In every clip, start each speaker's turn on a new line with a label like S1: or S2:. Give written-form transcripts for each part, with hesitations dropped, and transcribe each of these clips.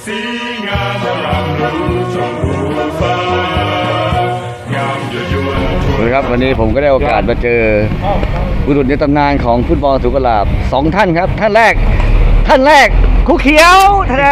S1: สีงามอารามรู้ชมรู้ฟ้างามยั่วยวน
S2: ครับวันนี้ผมก็ได้โอกาสมาเจอบุรุษในตำนานของฟุตบอลสุกลาบ2 ท่านครับท่านแรกครูเขียวท่าน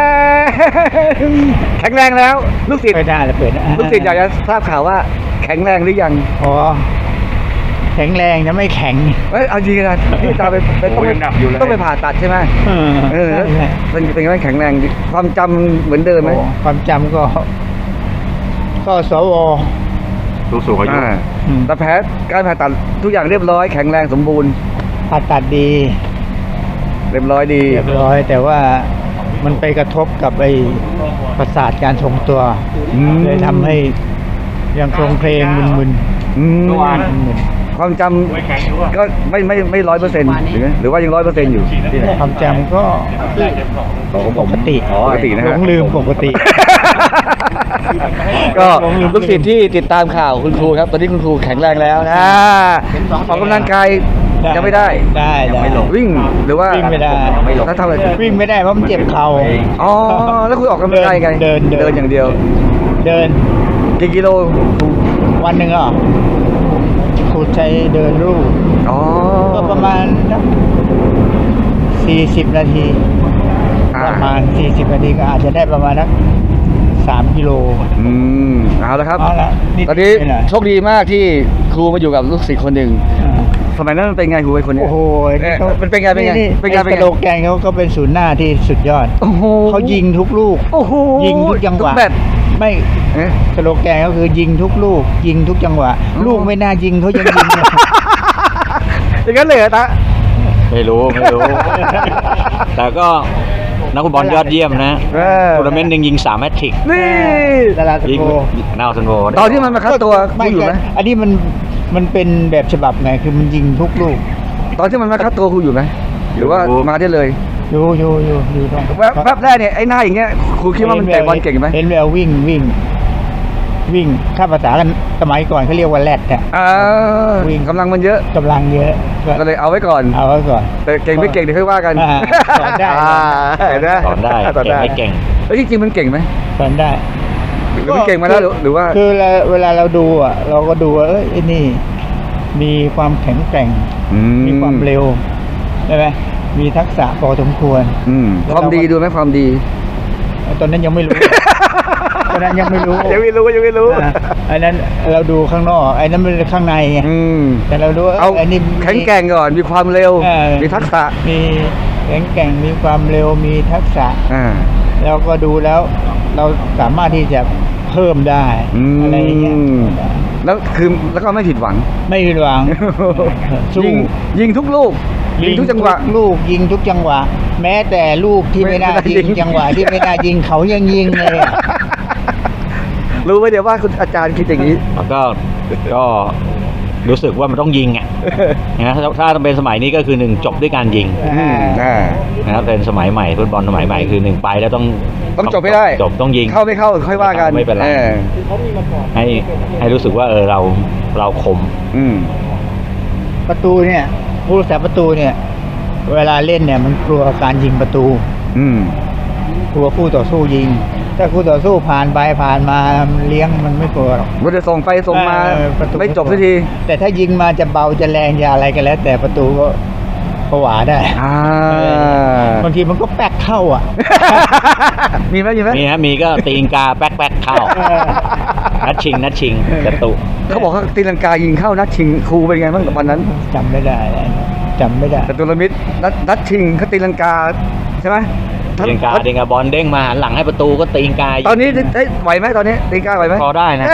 S2: แข็งแรงแล้วลูกศิษย์
S3: เปิดได้แล้วเปิดได้
S2: ลูกศิษย์อยากจะทราบข่าวว่าแข็งแรงหรือยัง
S3: อ๋อแข็งแรงนะไม่แข็ง
S2: เอาจริงนะที่ตาไปต้องไปผ่าตัดใช่ไหมแล้วเป็นไงแข็งแรงดีความจำเหมือนเดิมไหม
S3: ความจำก็สว
S4: ผู้สูงอายุ
S2: แต่แผลการผ่าตัดทุกอย่างเรียบร้อยแข็งแรงสมบูรณ์
S3: ผ่าตัดดี
S2: เรียบร้อยดี
S3: เรียบร้อยแต่ว่ามันไปกระทบกับไอ้ประสาทการทรงตัวเลยทำให้ยังโครงเพลงมึน
S2: ความจำก็ไม่100%หรือว่ายัง100%อยู่
S3: ๆความจำก็ปกติ
S2: ปกตินะ
S3: หล
S2: ฮะ
S3: งลืมปกติ
S2: ก็ลูกศิษย์ที่ติดตามข่าวคุณครูครับตอนนี้คุณครูแข็งแรงแล้วนะออกกำลังกายยังไม่ได้
S3: ได้
S2: วิ่งหรือว่า
S3: วิ่งไม่ได้
S2: แล้วทำอะไร
S3: วิ่งไม่ได้เพราะมันเจ็บเข่า
S2: อ๋อแล้วคุณออกกำลังกายไง
S3: เดิน
S2: อย่างเดียว
S3: เดิน
S2: กี่กิโล
S3: วันหนึ่งอ่ะครูใช้เดินรูป
S2: อ๋อ
S3: ก็ประมาณ40 นาที ประมาณ40 นาทีก็อาจจะได้ประมาณนัก3 กิโล
S2: เอาละครับ
S3: เอาละนิด
S2: ตอนนี้
S3: หน่อย
S2: โชคดีมากที่ครูมาอยู่กับลูกศิษย์คนหนึ่งสมัยนั้นมันเป็นไงครูไอ้คนเนี้ย
S3: โอ้โห
S2: มันเป็นไง
S3: สโลแกนเขาก็เป็นศูนย์หน้าที่สุดยอด
S2: โอ้โห
S3: เขายิงทุกลูก
S2: โอ้โห
S3: ยิงทุกจังหวะ
S2: ทุกแบบ
S3: ไม่
S2: เอ๊ะ
S3: สโลแกนก็คือยิงทุกลูก ยิงทุกจังหวะ ลูกไม่น่ายิงเขายังยิงเลย
S2: อย่างนั้นเลยเหรอตา
S4: ไม่รู้ แต่ก็นักฟุตบอลยอดเยี่ยมนะทัวร์นาเมนต์หนึ่งยิง3 แมตช์ทริก
S2: นี่
S3: ดาราส
S4: ยิง
S3: โก
S4: นาวซันโว
S2: ตอนที่มันมาคัดตัวครูอยู่ไหม
S3: อันนี้มันเป็นแบบฉบับไงคือมันยิงทุกลูก
S2: ตอนที่มันมาคัดตัวครูอยู่ไหมหรือว่ามาได้เลย
S3: อยู่ตรง
S2: แป๊บแรกเนี่ยไอ้หน้าอย่างเงี้ยครูคิดว่ามันเตะบอลเก่งไหม
S3: เห็นแวววิ่งถ้าภาษากันสมัยก่อนเขาเรียกว่าแรดเนี่ย
S2: วิ่งกำลังมันเยอะ
S3: กำลังเยอะ
S2: ก็เลยเอาไว้ก่อน
S3: เอาไว้ก่อน
S2: แต่เก่งไม่เก่งเดี๋ยวค่อยว่ากัน
S3: สอนได้
S2: เห็นไหม
S4: สอนได้เก่งไม่เก่ง
S2: แล้วจริงๆมันเก่งไหม
S3: สอนได้
S2: หรือมันเก่งมาแล้วหรือว่า
S3: คือเวลาเราดูอ่ะเราก็ดูว่าไอ้นี่มีความแข็งแกร่งมีความเร็วใช่ไหมมีทักษะพอสมควร
S2: ความดีดูไหมความดี
S3: ตอนนั้นยังไม่รู้ ตอนนั้นยังไม่รู้
S2: ยังไม่รู้
S3: อันนั้นเราดูข้างนอกไอ้นั้นมันข้างในไงแต่เราดูว่า
S2: เอา
S3: ไอ้นี่
S2: แข็งแกร่งก่อนมีความเร็วมีทักษะ
S3: มีแข็งแกร่งมีความเร็วมีทักษะ แล้วก็ดูแล้วเราสามารถที่จะเพิ่มได้อะไรอย่างเงี้ย
S2: แล้วก็ไม่ผิดหวัง
S3: ไม่ผิดหวังสู้
S2: ยิงทุกลูกยิงทุกจังหวะ
S3: ลูกยิงทุกจังหวะ แม้แต่ลูกที่ไม่น่า
S2: ไม่น่ายิ
S3: ยิ
S2: ง
S3: งจังหวะที่ไม่น่ายิงเขายังยิงเลยอะ
S2: รู้ไหมเดี๋ยวว่าคุณอาจารย์คิดอย่างนี้
S4: แล้วก็รู้สึกว่ามันต้องยิงอ่ะนะถ้าเป็นสมัยนี้ก็คือ1จบด้วยการยิงนะครับเป็นสมัยใหม่ฟุตบอลสมัยใหม่คือ1ไปแล้วต้อง
S2: จบไม่ได้
S4: จบต้องยิง
S2: เข้าไม่เข้าค่อยว่ากัน
S4: ไม่เป็นไรให้รู้สึกว่าเราคม
S3: ประตูเนี่ยผู้รักษาประตูเนี่ย เวลาเล่นเนี่ยมันกลัวการยิงประตูกลัวคู่ต่อสู้ยิง ถ้าคู่ต่อสู้ผ่านไปผ่านมาเลี้ยงมันไม่กลัวหรอก
S2: มันจะส่งไปส่งมา
S3: ประตู
S2: ไม่จบสักที
S3: แต่ถ้ายิงมาจะเบาจะแรงจะอะไรกันแล้ว แต่ประตูก็ผวาได้บางทีมันก็แป๊กเข้าอ่ะ
S2: มีไหม
S4: มีก็ตีนกาแป๊กเข้านัดชิงกระตุ
S2: เขาบอกว่าตีลังกายิงเข้านัดชิงครูเป็นไงบ้างวันนั้น
S3: จำไม่ได้
S2: แต่ตุลมิตรนัดชิงเขาตีลังกาใช่ไหม
S4: ตีนกาบอลเด้งมาหันหลังให้ประตูก็ตีนกา
S2: ตอนนี้ไหวไหมตอนนี้ตีลังกาไหวไหม
S4: พอได้นะ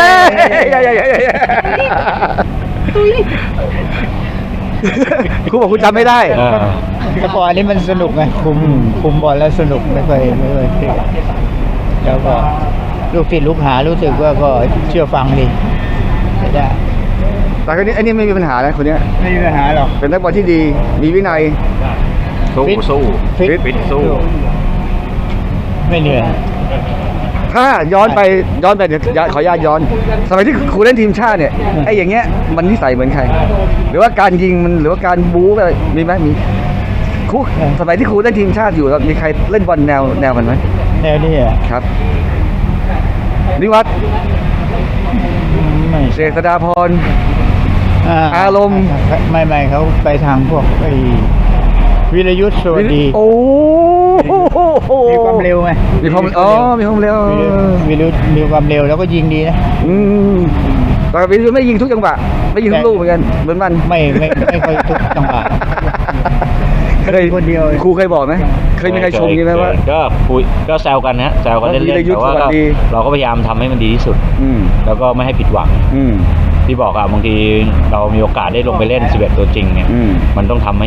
S2: ครูบอกคุณจำไม่ได้
S3: แต่พออันนี้มันสนุกไงคุมบอลแล้วสนุกไม่เคยเครียดแล้วก็ลูกศิษย์ลูกหารู้สึกว่าก็เชื่อฟังดีได้
S2: แต่คนนี้อันนี้ไม่มีปัญหานะคนนี้
S3: ไม่มีปัญหาหรอก
S2: เป็นนักบอลที่ดีมีวินัย
S4: สู้
S3: ฟิตสู้ไม่เหนื่อย
S2: ถ้าย้อนไปเดี๋ยวขออนุญาตย้อนสมัยที่ครูเล่นทีมชาติเนี่ยไอ้อย่างเงี้ยมันนิสัยเหมือนใคร หรือว่าการยิงมันหรือว่าการบู๊อะไรมีไหมมีครูสมัยที่ครูเล่นทีมชาติอยู่แล้วมีใครเล่นบอลแนวมันไหม
S3: แนวนี้อ่ะ
S2: ครับนิวัฒน์
S3: ไม่
S2: เจษฎาพร อารมณ์
S3: ไม่เขาไปทางพวกไอ้วิรยุทธ์สวัสดี
S2: โอ้โห
S3: มีความเร็วไง
S2: มีความมีความเร็ว
S3: วิรยุทธ์มีความเร็วแล้วก็ยิงดีนะ
S2: อืมแต่วิรุธไม่ยิงทุกจังหวะไม่ยิงทุกลูกเหมือนกันเหมือนมัน
S3: ไม่ค่อยทุกจังหวะ
S2: เคย
S3: คนเดียว
S2: ครูเคยบอกไหมเคยมีใครชมอย่างนี้ไหมว่า
S4: ก็คุยก็แซวกันนะแซวกันเล่น
S2: วีร
S4: ๆ
S2: ยุทธ์
S4: แต่ว่า
S2: สวั
S4: ก็
S2: สดี
S4: เราก็พยายามทำให้มันดีที่สุด
S2: อืม
S4: แล้วก็ไม่ให้ผิดหวัง
S2: อืม
S4: ที่บอกอะบางทีเรามีโอกาสได้ลงไปเล่น11ตัวจริงเนี่ย
S2: อืม
S4: มันต้องทำ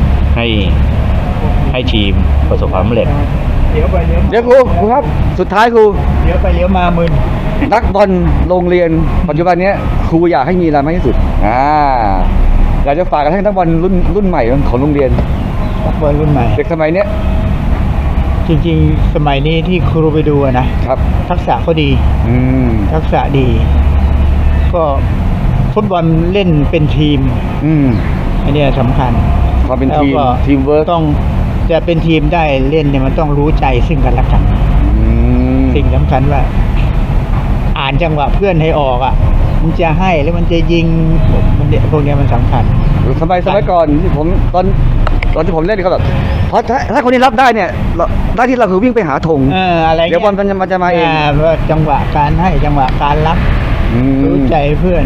S4: ให้ทีมประสบความสำเร็จ
S3: เดี๋ยวไปเลี้ยว
S2: เดี๋ยวครูครับ สุดท้ายครู
S3: เดี๋ยวไปเลี้ยวมามึน
S2: นักบอลโรงเรียนปัจจุบันเนี้ยครูอยากให้มีอะไรมากที่สุดอยากจะฝากกันให้นักบอลรุ่นใหม่ของโรงเรียน
S3: นักบอลรุ่นใหม่
S2: เด็กสมัยเนี้ย
S3: จริงๆ สมัยนี้ที่ครูไปดูอะนะครับ ทักษะเขาดี
S2: อืม
S3: ทักษะดี ก็ฟุตบอลเล่นเป็นทีม
S2: อืม
S3: อันเนี้ยสำคัญ
S2: ความเป็นทีม
S3: แล้วก็
S2: ทีมเวิร์ก
S3: ต้องจะเป็นทีมได้เล่นเนี่ยมันต้องรู้ใจซึ่งกันและกัน สิ่งสำคัญว่า อ่านจังหวะเพื่อนให้ออกอ่ะ มันจะให้หรือมันจะยิงมันเนี่ยพวกเนี้ยมันสำคัญ
S2: สมัยก่อนที่ผมตอนที่ผมเล่นก็แบบเพราะถ้าคนนี้รับได้เนี่ยหน้าที่เราคือวิ่งไปหาธง
S3: อะไร
S2: เดี๋ยวบอลมันจะมาเอง
S3: ว่าจังหวะการให้จังหวะการรับ
S2: อืม
S3: รู้ใจเพื่อน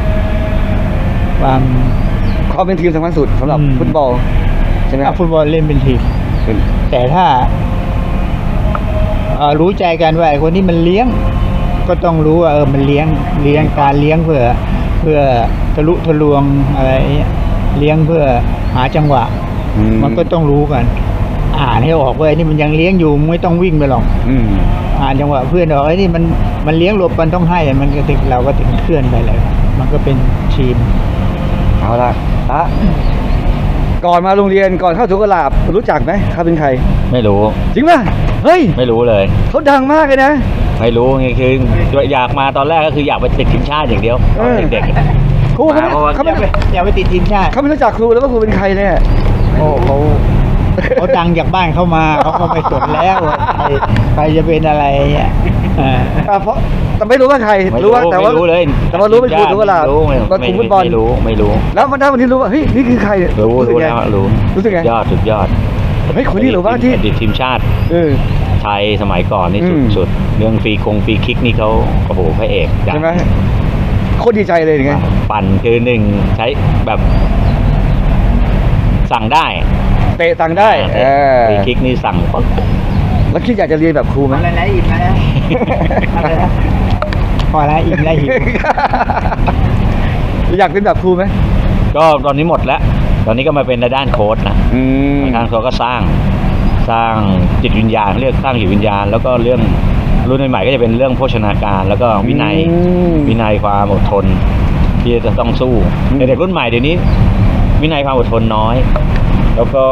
S2: ความเป็นทีมสำคัญสุดสำหรับฟุตบอลใช่ไหมครับ
S3: ฟุตบอลเล่นเป็นทีม
S2: เป็น
S3: แต่ถ้ารู้ใจกันว่าไอ้คนนี้มันเลี้ยง ก็ต้องรู้ว่ามันเลี้ยงการเลี้ยงเพื่อทะลุทะลวงอะไรเงี้ยเลี้ยงเพื่อหาจังหวะ มันก็ต้องรู้กัน อ่านให้ออกว่าไอ้นี่มันยังเลี้ยงอยู่ไม่ต้องวิ่งไปหรอก
S2: อืม
S3: อ่านจังหวะเพื่อนออกไอ้นี่มันเลี้ยงหลบมันต้องให้มันก็ถึงเราก็ถึงเคลื่อนไปเลย มันก็เป็นทีม
S2: เอาละก่อนมาโรงเรียนก่อนเข้าสุกหลาบรู้จักไหมเขาเป็นใคร
S4: ไม่รู้
S2: จริงป่ะเฮ้ย
S4: ไม่รู้เลย
S2: เขาดังมากเลยนะ
S4: ไม่รู้ไงคืออยากมาตอนแรกก็คืออยากไปติดทีมชาติอย่างเดียวตอนเด็กๆ
S2: ครูเขา
S4: เพราะว่า
S2: เขาไม่
S3: อย่าไปติดทีมชาติ
S2: เขาไม่รู้จักครูแล้วว่าครูเป็นใครเนี่ย
S3: โอ้เขาดังจากบ้านเข้ามาเขาก็ไม่สนแล้วว่าใครจะเป็นอะไรอ่ะ
S2: เพราะแต่ไม่รู้ว่าใคร
S4: ไม่
S2: รู้ว่าแต่ว่า
S4: ไม่รู้เลย
S2: แต่ว่ารู้เป็นครูสุกหลาบ
S4: ไม่รู้
S2: ว่าครูฟุตบอล
S4: ไม่รู้
S2: แล้ววันนี้รู้ว่าเฮ้ยนี่คือใครเนี่ย
S4: รู้
S2: สึกไง
S4: แล้วรู้
S2: รู้สึกไง
S4: สุดยอด
S2: เฮ้ยคนนี้หรือว่าที่
S4: อดีตทีมชาติ
S2: เออ
S4: ไทยสมัยก่อนนี่
S2: อืม
S4: สุดเรื่องฟรีคิกนี่เขาโอ้โหพระเอกจัง
S2: ใช่ไหมโคตรดีใจเลยอย่างเงี้ย
S4: ปั่นคือหนึ่งใช้แบบสั่งได้
S2: เตะตังได้เออ
S4: ฟรีคิกนี่สั่งปั๊บ
S2: แล้วคิดอยากจะเรียนแบบครูไหม
S3: อะไรนะอิ่มแล้วอะไรนะพอแล้วอิ่มแล้วหิว
S2: อยากเป็นแบบครูไหม
S4: ก็ตอนนี้หมดแล้ว ตอนนี้ก็มาเป็นในด้านโค้ชนะ
S2: อืม
S4: ทางเขาก็สร้างจิตวิญญาณเรียกสร้างจิตวิญญาณ แล้วก็เรื่องรุ่นใหม่ๆก็จะเป็นเรื่องโภชนาการแล้วก็วินัยความอดทนที่จะต้องสู้แต่เด็กรุ่นใหม่เดี๋ยวนี้ วินัยความอดทนน้อย แล้วก็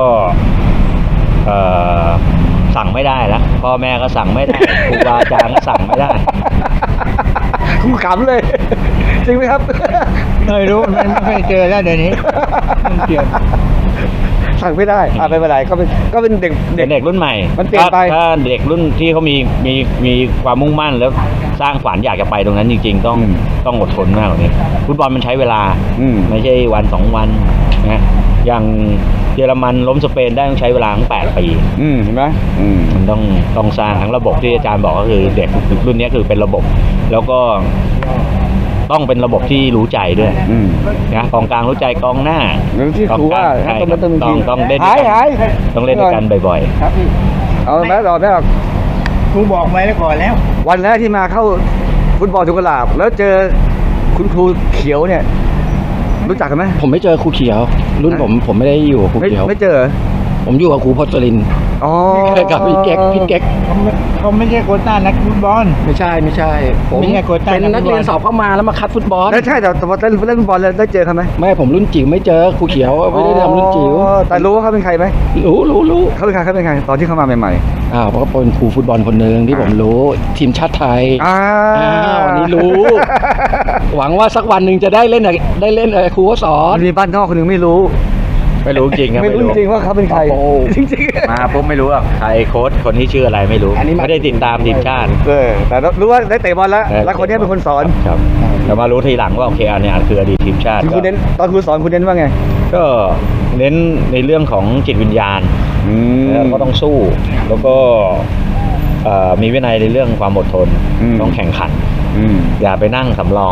S4: สั่งไม่ได้แล้วพ่อแม่ก็สั่งไม่ได้ครูบาอาจารย์ก็สั่งไม่ได้
S2: ครูขำเลย จริงไหมครับ
S3: ไม่รู้มันไม่เคยเจอแล้วเดี๋ยวนี้มันเกี่ยว
S2: สั่งไม่ได้ไม่เป็นไรก็เป็นเด็ก
S4: เป็นเด็กรุ่นใหม่
S2: มันเปลี่ยนไป
S4: ถ้าเด็กรุ่นที่เขามีความมุ่งมั่นแล้วสร้างฝันอยากจะไปตรงนั้นจริงๆ ต้องอดทนมากกว่านี้ฟุตบอลมันใช้เวลา ไม่ใช่วัน2 วันนะอย่างเยอรมันล้มสเปนได้ต้องใช้เวลาทั้ง8 ปี
S2: เห็นไหม
S4: มันต้องสร้างทั้งระบบที่อาจารย์บอกก็คือเด็กรุ่นนี้คือเป็นระบบ แล้วก็ต้องเป็นระบบที่รู้ใจด้วยนะกองกลางรู้ใจกองหน้า
S2: หรือที่ครูว่า
S4: ใช่
S2: ต้องเล่น
S4: ต้องเล่นด้วยกัน
S2: หาย
S4: ต้องเล่นด้วยกันบ่อย
S3: ครับพี่
S2: เอาแม่ต่อแม่
S3: ครูบอกไว้แล้วก่อนแล้ว
S2: วันแรกที่มาเข้าฟุตบอลสุกหลาบแล้วเจอคุณครูเขียวเนี่ย รู้จักกันไหม
S5: ผมไม่เจอครูเขียว รุ่นผมไม่ได้อยู่กับครูเขียว
S2: ไม่เจอเหรอ
S5: ผมอยู่กับครูพจรินทร์
S2: อ๋อ
S5: กับพี่เก๊ก
S3: เขาไม่ใช่โควต้านักฟุตบอล
S5: ไม่ใช่ผม
S3: ไม่ใช่โควต้า
S5: เป็นนักเรียน
S3: นักฟุตบอล
S5: สอบเข้ามาแล้วมาคัดฟุตบอล
S2: ใช่แต่พอเล่นฟุตบอลแล้วได้เจอเขาไหม
S5: ไม่ผมรุ่นจิ๋วไม่เจอครูเขียวไม่ได้ทำรุ่นจิ๋ว
S2: อ๋อแต่รู้ว่าเขาเป็นใครไหม
S5: รู้
S2: เขาเป็นใครตอนที่เขามาใหม่
S5: เพราะเขาเป็นครูฟุตบอลคนหนึ่งที่ผมรู้ทีมชาติไทย
S2: ๆ
S5: วันนี้รู้ หวังว่าสักวันหนึ่งจะได้เล่นครูก็สอน
S2: มันมีบ้านนอกคนหนึ่งไม่รู้
S4: ไม่รู้จริงครับ
S2: ไม่รู้จริงว่าเขาเป็นใคร
S5: โอ้โห
S2: จริงๆ
S4: มาปุ๊บไม่รู้ว่าใครโค้ชคนนี้ชื่ออะไรไม่รู้
S5: อันนี้มา
S4: ไม่ได้ติดตามทีมชาติ
S2: แต่รู้ว่าได้เตะบอลแล้ว แล้วคนนี้เป็นคนสอน
S4: ครับแต่มารู้ทีหลังว่าโอเคอันเนี้ยคืออดีตทีมชาติ
S2: คือคุณเน้นตอนคุณสอนคุณเน้นว่าไง
S4: ก็เน้นในเรื่องของจิตวิญญาณแล้วก็ต้องสู้ แล้วก็มีวินัยในเรื่องความอดทน ต้องแข่งขัน อย่าไปนั่งสำรอง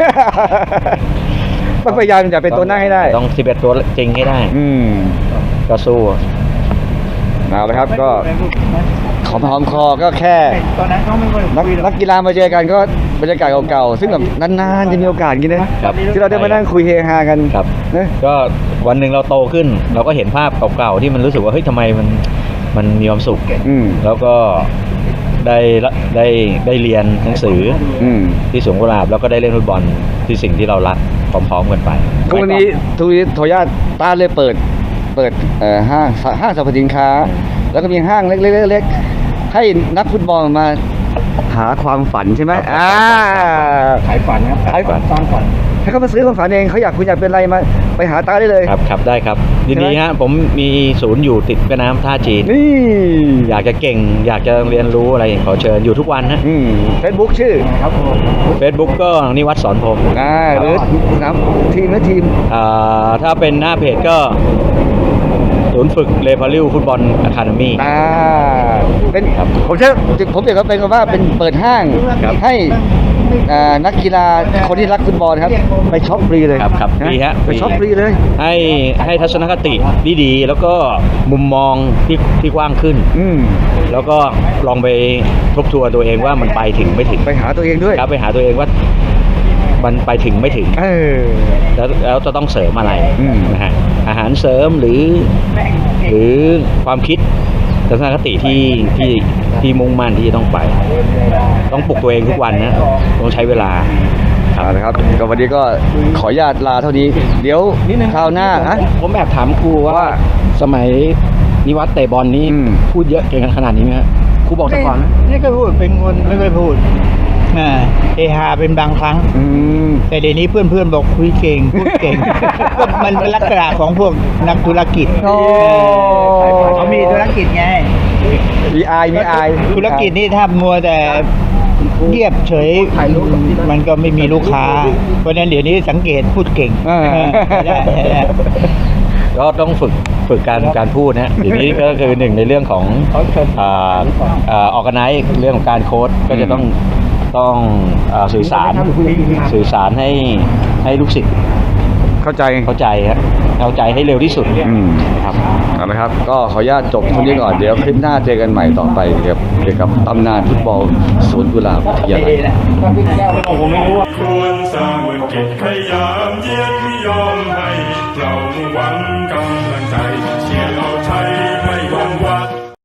S2: ต้องพยายามจะเป็นตัวหน้าให้ได้
S4: ต้อง11ตัวจริงให้ได้ ก็สู้
S2: เอาละครับก็หอมคอก็แค่
S3: ตอนนั้นเขาไม่ค่อย
S2: นักกีฬามาเจอกันก็บรรยากาศเก่าๆซึ่งแบบนานๆจะมีโอกาสอย่างนี้นะครับ ที่เราได้มานั่งคุยเฮฮากัน
S4: ครับ
S2: นะ
S4: ก็วันหนึ่งเราโตขึ้น เราก็เห็นภาพเก่าๆที่มันรู้สึกว่าเฮ้ยทำไมมันมีความสุข แล้วก็ได้เรียนหนังสือที่สวนกุหลาบแล้วก็ได้เล่นฟุตบอลที่สิ่งที่เรารักพร้อมๆกันไป
S2: ทุกวันนี้โทย่าต้าเลยเปิดห้างสรรพสินค้า แล้วก็มีห้างเล็กๆให้นักฟุตบอลมาหาความฝันใช่ไหม
S5: ขายฝันครับ
S2: ขายฝัน
S5: สร้างฝัน
S2: ให้เขามาซื้อความฝันเองเขาคุณอยากเป็นอะไรมาไปหาต้าได้เลย
S4: ครับได้ครับยินดีฮะผมมีศูนย์อยู่ติดแม่น้ำท่าจีน
S2: นี่
S4: อยากจะเก่ง อยากจะเรียนรู้อะไรขอเชิญอยู่ทุกวันฮะ
S2: เฟซบุ๊กชื่อ
S5: ครับผม
S4: Facebook ก็นิวัฒน์สอนพรหม
S2: หรือทีม
S4: ถ้าเป็นหน้าเพจก็ศูนย์ฝึกเลพาริวฟุตบอลอะคาเดมี่
S2: เป็น
S4: ครับ
S2: ผมเชื่อผมเปรียบว่าเป็นว่าเป็นเปิดห้าง
S4: ครับ
S2: ให้นักกีฬาคนที่รักฟุตบอลครับไปช็อปฟรีเลย
S4: ครับ
S2: นะ
S4: ดีฮะ
S2: ไปช็อปฟรีเลย
S4: ให้ทัศนคติที่ดีแล้วก็มุมมองที่กว้างขึ้น แล้วก็ลองไปทบทวนตัวเองว่ามันไปถึงไม่ถึง
S2: ไปหาตัวเองด้วย
S4: ครับไปหาตัวเองว่ามันไปถึงไม่ถึง แล้วจะต้องเสริมอะไรนะฮะอาหารเสริมหรือความคิดทัศนคติที่มุ่งมั่นที่จะต้องไป ต้องปลุกตัวเองทุกวันนะต้องใช้เวลา
S2: เอาละครับก็วันนี้ก็ขออนุญาตลาเท่านี้ เดี๋ยวคราวหน้าฮะ
S5: ผมแอบถามครูว่าสมัยนิวัฒน์เตะบอลนี้ พูดเยอะเก่งขนาดนี้ไหมฮะครูบอกแต่ก่อนนะ
S3: นี่ก็พูดเป็นคนไม่ค่อยพูดเอฮาเป็นบางครั้ง แต่เดี๋ยวนี้เพื่อนๆบอกคุยเก่งพูดเก่ง ก็มันเป็นลักษณะของพวกนักธุรกิจ
S2: โอ้
S3: เขามีธุรกิจไง
S2: มีอาย
S3: ธุรกิจนี่ถ้ามัวแต่เงียบเฉยมันก็ไม่มีลูกค้า เพราะฉะนั้นเดี๋ยวนี้สังเกตพูดเก่งได้
S4: ก็ต้องฝึกการพูดนะทีนี้ก็คือหนึ่งในเรื่องของออกกันไนเรื่องของการโค้ดก็จะต้องสื่อสารให้ลูกศิษย์
S2: เข้าใจ
S4: เข้าใจให้เร็วที่สุดครับ
S2: เอาละครับก็ขออนุญาตจบเท่านี้ก่อนเดี๋ยวคลิปหน้าเจอกันใหม่ต่อไปเกี่ยวกับตำนานฟุตบอลสวนกุหลาบวิทยาลัย
S1: ควรสร้างวิกฤตขยามเยียดไม่ยอมให้